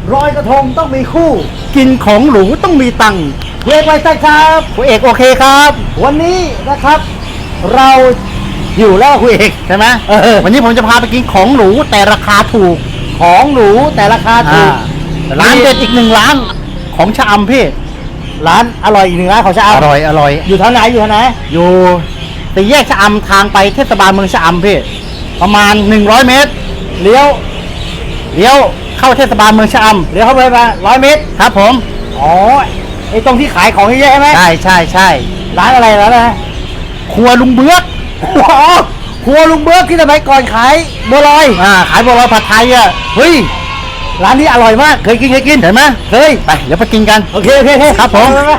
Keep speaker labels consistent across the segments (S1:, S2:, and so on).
S1: ลอยกระทงต้องมีคู่
S2: กินของหรูต้องมีตังค์
S1: เวกไว้ใช่ครับ
S2: คุณเอกโอเคครับ
S1: วันนี้นะครับ เราอยู่แล้วคุณเอก
S2: ใช่ไหมวันนี้ผมจะพาไปกินของหรูแต่ราคาถูก
S1: ของหรูแต่ราคาถูก
S2: ร้านเด็ดอีกหนึ่งร้านของชะอำพี่
S1: ร้านอร่อยอีกหนึ่งร้านของชะอำ
S2: อร่อย
S1: อยู่ทางไหนอยู่ทางไหน
S2: อยู่ตีแยกชะอำทางไปเทศบาลเมืองชะอำพี่ประมาณ100เมตร
S1: เลี้ยว
S2: เลี้ยวเข้าเทศบาลเมืองชะอำ
S1: เลี้ยวเข้าไปมา100 เมตร
S2: ครับผม
S1: อ๋อไอ้ตรงที่ขายของเยอะๆใช่ไหม
S2: ใช่
S1: ร้านอะไรแล้วนะ
S2: ครัวลุงเบื้อก
S1: อ๋อครัวลุงเบิร์กที่สมัยก่อนขายบัวลอย
S2: ขายบัวลอยผัดไทยอ่ะ
S1: เฮ้ยร้านนี้อร่อยมากเคยกิน
S2: เห็นไหม
S1: เคย
S2: ไปเดี๋ยวไปกินกัน
S1: โอเค
S2: ครับผม
S1: ไป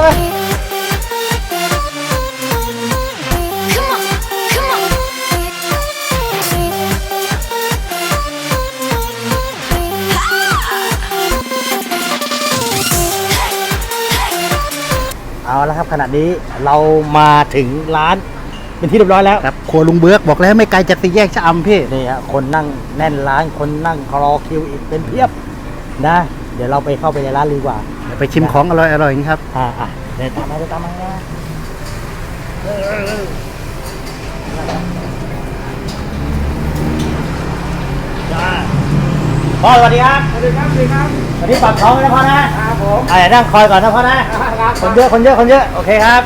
S3: Come on, come on.
S1: เอาละครับขณะนี้เรามาถึงร้านเป็นที่เรียบร้อยแล้ว
S2: ครับครัวลุงเบื้อกบอกแล้วไม่ไกลจากตีแยกชะอำพี่
S1: นี่ฮะคนนั่งแน่นร้านคนนั่งรอคิวอีกเป็นเพียบนะ เดี๋ยวเราไปเข้าไปในร้านดีกว่า
S2: เดี๋ยวไปชิมของอร่อยๆครับ
S1: เดินตามมานะพ่อสวัสดีครับสวัสดีครับวันนี้ปากท้องนะพ่อนะครับผมนั่งคอยก่อนนะพ่อนะคนเยอะโอเคครับ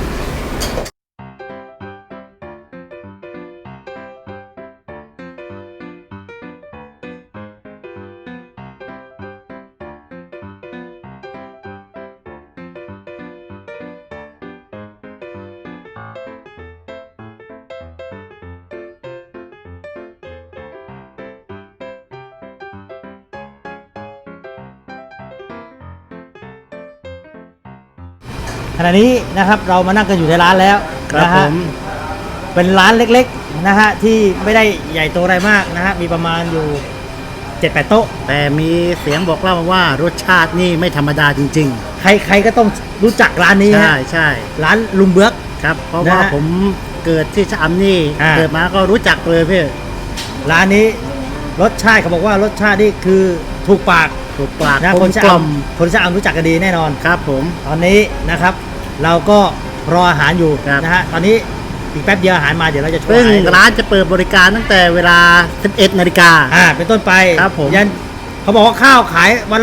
S1: ขณะนี้นะครับเรามานั่งกันอยู่ในร้านแล้ว
S2: ครับ
S1: นะ
S2: ผ
S1: ฮะ
S2: ม
S1: เป็นร้านเล็กๆนะฮะที่ไม่ได้ใหญ่โตอะไรมากนะฮะมีประมาณอยู่ 7-8 โต๊ะ
S2: แต่มีเสียงบอกเล่ามาว่ารสชาตินี่ไม่ธรรมดาจริง
S1: ใครก็ต้องรู้จักร้านนี้
S2: ๆ
S1: ฮะ
S2: ใช่
S1: ร้านลุงเบือก
S2: ครับ เพราะ
S1: นะ
S2: ว่า
S1: ฮะ
S2: ผมเกิดที่ชะอำนี่
S1: อ่า
S2: เกิดมาก็รู้จักเลยพี่
S1: ร้านนี้รสชาติเขาบอกว่ารสชาตินี่คือถูกปาก
S2: ถูกปาก
S1: นะ
S2: กล
S1: ค
S2: ม
S1: นชะ
S2: กล่
S1: อ
S2: อม
S1: ำคนชะอำรู้จักกันดีแน่นอน
S2: ครับผม
S1: ตอนนี้นะครับ เราก็รออาหารอยู่
S2: ครับ
S1: นะฮะตอนนี้อีกแป๊บเดียวอาหารมาเดี๋ยวเราจะโชว์
S2: ซึ่ง
S1: อาหารให้ดู
S2: ร้านจะเปิดบริการตั้งแต่เวลา 11 นาฬิกา
S1: เป็นต้นไป
S2: ครับผม
S1: ยันเขาบอกว่าข้าวขายวันละ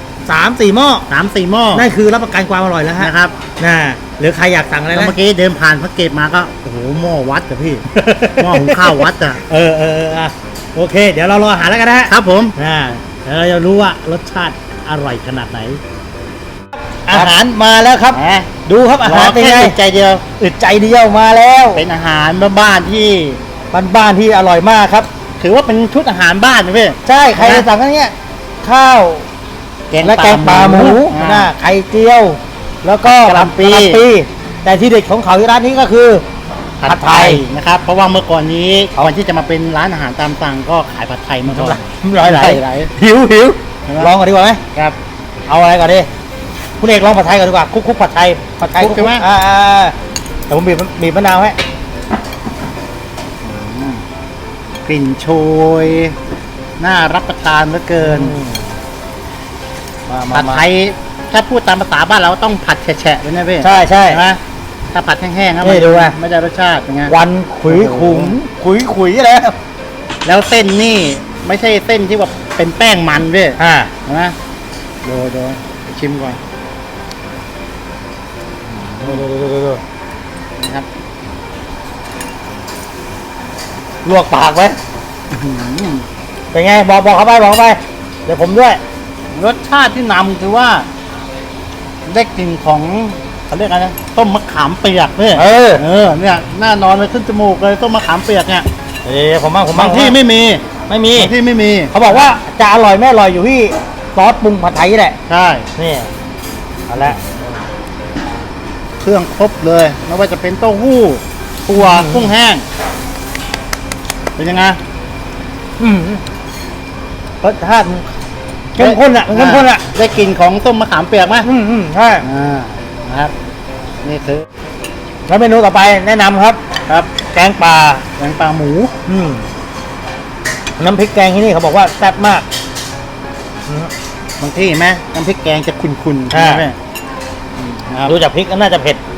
S1: 3-4 หม้อ
S2: 3-4 หม้อ
S1: นั่นคือรับประกันความอร่อยแล้วฮะ
S2: นะครับ
S1: หรือใครอยากสั่งอะไร
S2: แล้ว
S1: นะ
S2: เมื่อกี้เดินผ่านพระเกตมาก็โอ้โหหม้อวัดอะพี่ หม้อหุงข้าววัดอะ
S1: โอเค เดี๋ยวเรารออาหารแล้วกันนะฮะ
S2: ครับผม
S1: เดี๋ยวเราจะรู้ว่ารสชาติอร่อยขนาดไหน อาหารมาแล้วครับ
S2: แหม
S1: ดูครับอาหารเป็นไง
S2: ใจเดียว
S1: อึดใจเดียวมาแล้ว
S2: เป็นอาหารบ้านๆที่
S1: บ้านๆที่อร่อยมากครับ
S2: ถือว่าเป็นชุดอาหารบ้านนะพี่
S1: ใช่ใครจะสั่งกันเนี้ยข้าว และแกงปลาหมู
S2: อ่า
S1: นะไข่เจียว แล้วก็
S2: กะหล่ำปี
S1: แต่ที่เด็ดของเขาที่ร้านนี้ก็คือ
S2: ผัดไทยนะครับ เพราะว่าเมื่อก่อนนี้ก่อนที่จะมาเป็นร้านอาหารตามสั่งก็ขายผัดไทยมาก่อน
S1: ร้อยไหล
S2: ไหล
S1: หิว
S2: ใช่ไหม
S1: ลองก่อนดีกว่าไหม
S2: ครับ
S1: เอาอะไรก่อนดิคุณเอกลองผัดไทยก่อนดีกว่าคุกผัดไทย
S2: คลุกใช่ไหม
S1: แต่ผมบีบมะนาวให้
S2: กลิ่นโชยน่ารับประทานเหลือเกิน ผัดไทยถ้าพูดตามภาษาบ้านเราต้องผัดแฉะๆเลยนะพี่
S1: ใช่
S2: ใช่ไหมถ้าผัดแห้งๆก็
S1: นี่ดูไง
S2: ไม่ได้รสชาติเป็นไง
S1: วันขุยขุมขุยแล้ว
S2: แล้วเส้นนี่ไม่ใช่เส้นที่ว่าเป็นแป้งมันพี่ เห็นไหมดูชิมก่อนนะครับ
S1: ลวกปากไว้
S2: อื้อหือ
S1: เป็นไงบอกเขาไปเดี๋ยวผมด้วย
S2: รสชาติที่นำคือว่าได้กลิ่นของเขาเรียกอะไรนะต้มมะขามเปียกพี่เนี่ยหน้านอนเลยขึ้นจมูกเลยต้มมะขามเปียกเนี่ย
S1: ผม
S2: บางที่ไม่มี
S1: ไม่มี
S2: บางที่ไม่มี
S1: เขาบอกว่าจะอร่อยไม่อร่อยอยู่ที่ซอสปรุงผัดไทยนี่แหละ
S2: ใช่
S1: นี่เอาละ
S2: เครื่องครบเลยไม่ว่าจะเป็นเต้าหู้ถั่วกุ้งแห้งเป็นยังไง
S1: รสชาติเข้มข้นอ่ะเข้มข้นอ่ะ
S2: ได้กลิ่นของต้มมะขามเปียกไหม
S1: ใช่
S2: นะครับนี่คือ
S1: แล้วเมนูต่อไปแนะนำครับ
S2: ครับ
S1: แกงปลา
S2: แกงปลาหมู
S1: น้ำพริกแกงที่นี่เขาบอกว่าแซ่บมาก
S2: บางที่เห็นไหมน้ำพริกแกงจะขุ่นๆ
S1: อ่า
S2: ใช่ไหมนะครับ
S1: ดูจากพริกก็น่าจะเผ็ด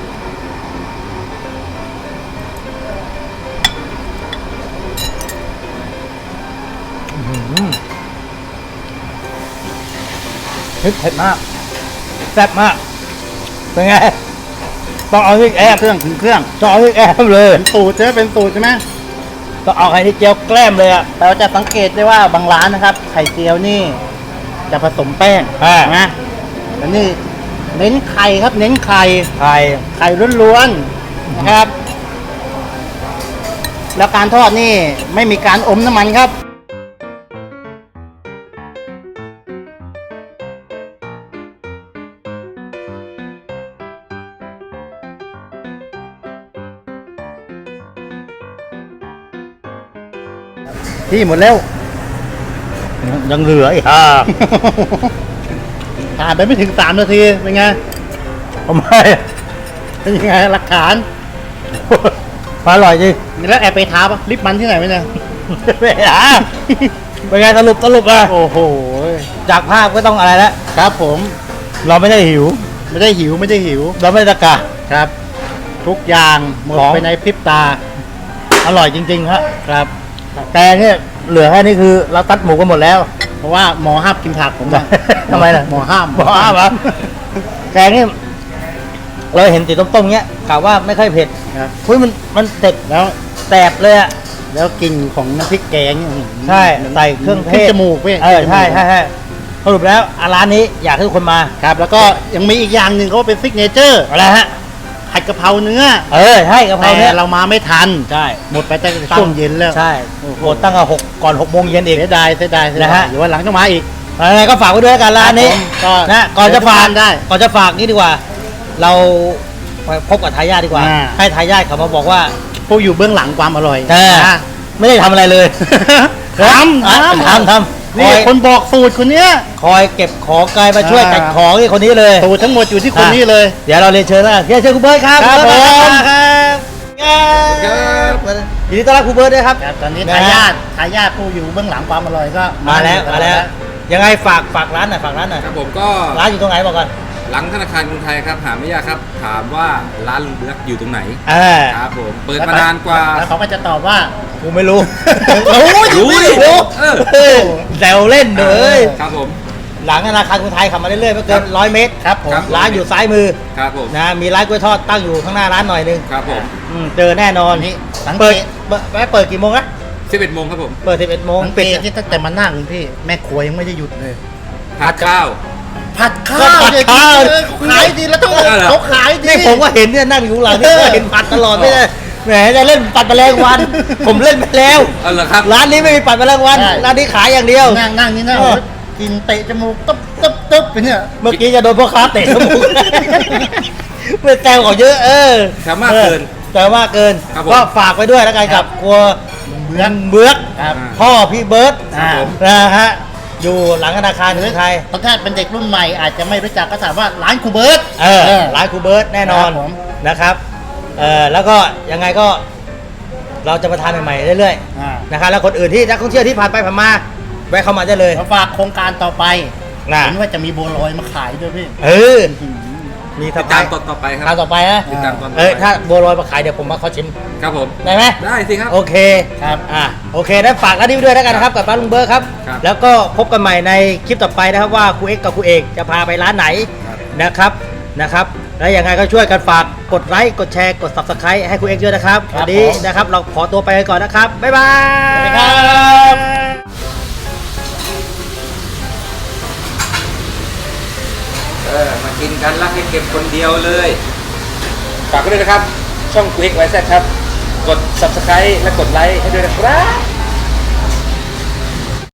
S1: พริกเผ็ดมากแซ่บมากเป็นไงต้องเอาพริกแอบ
S2: เครื่องถึงเครื่อง
S1: ต้องเอาพริกแอบเลย
S2: เป็นสูตรใช่ไหมเป็นสูตรใช่ไหม
S1: ต้องเอาไข่ที่เจียวแกล้มเลยอ่ะ
S2: เราจะสังเกตได้ว่าบางร้านนะครับ ไข่เจียวนี่จะผสมแป้ง
S1: อ่า
S2: นะแต่นี่เน้นไข่ครับ เน้นไข่
S1: ไข่
S2: ไข่ล้วนๆนะครับ แล้วการทอดนี่ไม่มีการอมน้ำมันครับ ที่หมดแล้ว
S1: ยังเหลืออีก
S2: ผ่านไปไม่ถึง3 นาที เป็นไง
S1: ทำไม
S2: เป็นยังไงหลักฐาน
S1: อร่อยจริง
S2: แล้วแอบไปท้าปะลิปมันที่ไหนไหมเนี่ย
S1: ไม่หาเป็นไงสรุปอ่ะ
S2: โอ้โห
S1: จากภาพก็ต้องอะไรแล้ว
S2: ครับผม
S1: เราไม่ได้หิว
S2: ไม่ได้หิวไม่ได้หิว
S1: เราไม่ได้ตะกะ
S2: ครับ ทุกอย่างหมด
S1: ของ
S2: ไปในพริบตา
S1: อร่อยจริงๆครับ
S2: ครับ
S1: แต่เนี่ยเหลือแค่นี้คือเราตัดหมูกันหมดแล้ว
S2: เพราะว่าหมอห้ามกินผักผมอะ
S1: ทำไมล่ะ
S2: หมอห้าม
S1: หมอห้ามเหรอ แกงนี่เราเห็นสีต้มๆเงี้ยกะว่าไม่ค่อยเผ็ด
S2: ครับ
S1: คุยมันเต็บ
S2: แล้ว
S1: แสบเลยอ่ะ
S2: แล้วกลิ่นของน้ำพริกแกงเนี่ย
S1: ใช่ใส่เครื่องเท
S2: ขึ้น
S1: ศ
S2: จมูกเว้ย
S1: เออ
S2: ขึ้นจมูก
S1: ใช่สรุปแล้วร้านนี้อยากให้ทุกคนมา
S2: ครับ แล้วก็ยังมีอีกอย่างหนึ่งเขาเป็นซิกเนเจอร์
S1: อะไรฮะ
S2: ผัดกะเพราเนื้อ
S1: ใช่กะเพราเนี่ย
S2: แต่เรามาไม่ทัน
S1: ใช่
S2: หมดไปตั้งแต่ช่วงเย็นแล้ว
S1: ใช่
S2: โอ้โห
S1: หมดตั้งแต่ก่อน6 โมงเย็นอีก
S2: เสียดายเสียดาย
S1: นะฮะ
S2: เดี๋ยววันหลังต้องมาอีก
S1: อะไรก็ฝากไว้ด้วยกันร้านนี้
S2: ครับผมก็
S1: นะก่อนจะฝาก
S2: เดี๋ยวทุกท่านได้
S1: ก่อนจะฝากนี่ดีกว่า เราไปพบกับทายาทดีกว่า
S2: อ่า
S1: ให้ทายาทเขามาบอกว่า
S2: ผู้อยู่เบื้องหลังความอร่อย นะ
S1: ไม่ได้ทำอะไรเลย
S2: ทำ
S1: ทำ
S2: นี่คนบอกสูตรคนเนี้ย
S1: คอยเก็บของกายมาช่วย
S2: อ่า
S1: จัดของนี่คนนี้เลย
S2: สูตรทั้งหมดอยู่ที่คนนี้เลย
S1: เดี๋ยวเราเรียนเชิญแล้วกันเรียนเชิญครูเบิร์ตครับ
S2: ครับ
S1: ณเบิร์ต
S2: ผม
S1: มาครับยินดีต้อนรับครูเบิร์ตด้วยครับ
S2: ครับตอนนี้
S1: นะ
S2: ทา
S1: ฮะ
S2: ยาทผู้อยู่เบื้องหลังความอร่อยก็
S1: มาแล้วยังไงฝากร้านหน่อยฝากร้านหน่อย
S3: ครับผมก็
S1: ร้านอยู่ตรงไหนบอกก่อน
S3: หลังธนาคารกรุงไทยครับหาไม่ยากครับ ถามว่าร้านลุงเบือกอยู่ตรงไหน ครับผมเปิดมานานกว่า
S2: แล้วเขาก็จะตอบว่า
S1: กูไม่รู้
S3: รู้ดิ
S1: รู้
S3: เออ
S1: แซวเล่นเลย
S3: ครับผม
S1: หลังธนาคารกรุงไทยขับมาเรื่อยๆไม่เกิน100 เมตร
S2: ครับผม
S3: ครับ
S1: ร้านอยู่ซ้ายมือ
S3: ครับผม
S1: นะมีร้านกล้วยทอดตั้งอยู่ข้างหน้าร้านหน่อยนึง
S3: ครับผม
S1: เจอแน่นอน
S2: นี่สังเก
S1: เปิด
S2: ต
S1: เปิดกี่โมงนะ
S3: 11 โมงครับผม
S1: เปิด11 โมง
S2: สังเก
S1: ปิด
S2: ตที่ตั้งแต่มานั่งพี่แม่ครัวยังไม่ได้หยุดเลย
S3: ทานข้าว
S2: ผัดข้าวเนี่ยขายดีแล้วต้อง
S3: เอาเหรอ
S2: เขาขายดี
S1: นี่ผมก็เห็นเนี่ยนั่งอยู่หลังนี่ก็เห็นปัดตลอดไม่ได้แหมจะเล่นปัดแมลงวัน ผมเล่นไปแล้ว
S3: เอาเหรอครับ
S1: ร้านนี้ไม่มีปัดแมลงวัน
S2: ใช่
S1: ร้านนี้ขายอย่างเดียว
S2: นั่งนี่นะ
S1: เออ
S2: กินเตะจมูกตึ๊บไปเนี่ย
S1: เมื่อกี้จะโดนพ่อค้าเตะจมูกไม่แซวเขาเยอะ
S3: แซวมากเกิน
S1: แซวมากเกิน
S3: ครับผม
S1: ก็ฝากไว้ด้วยแล้วกันกับครัวเบือก
S2: ครับ
S1: พ่อพี่เบิร์ต
S3: ครับผม
S1: นะฮะอยู่หลังธนาคารกรุงไทย
S2: บางท่านเป็นเด็กรุ่นใหม่อาจจะไม่รู้จักก็ถามว่าร้านครูเบิร์ต
S1: ร้านครูเบิร์ตแน่นอน
S2: ครับผม
S1: นะครับแล้วก็ยังไงก็เราจะมาทานใหม่ๆเรื่อยๆนะครับแล้วคนอื่นที่นักท่องเที่ยวที่ผ่านไปผ่านมาแวะเข้ามาได้เลย
S2: เราฝากโครงการต่อไป
S1: นะ
S2: เห็นว่าจะมีบัวลอยมาขายด้วยพี่
S1: มี
S3: ติดตามตอนต่อไปค
S1: ทา
S3: รั
S1: น
S3: บ
S1: ต่อไปนะ
S3: ติดตามตอนต่อ
S1: เอ้ย
S3: ไป
S1: ถ้าบัวลอยมาขายเดี๋ยวผมมาขอชิม
S3: ครับผม
S1: ได้ไหม
S3: ได้สิครับ
S1: โอเค
S2: ครับ
S1: โอเคได้ฝากร้านนี้ไว้ด้วยแล้วกันนะครับกับร้านลุงเบิร์ตครับ
S3: ครับ
S1: แล้วก็พบกันใหม่ในคลิปต่อไปนะครับว่าครูเอ็กซ์กับครูเอกจะพาไปร้านไหน
S3: ครับ
S1: นะครับแล้วยังไงก็ช่วยกันฝากกดไลค์กดแชร์กด subscribe ให้ครูเอ็กซ์ด้วยนะครับ
S2: ครับ
S1: วันนี้
S2: ผม
S1: นะครับเราขอตัวไปกันก่อนนะครับบ๊ายบาย
S2: สวัสดีครับ
S3: มากินกันรักให้เก็บคนเดียวเลย ฝากไว้ด้วยนะครับ ช่อง Quick YZ ครับ กด subscribe และกดไลค์ให้ด้วยนะครับ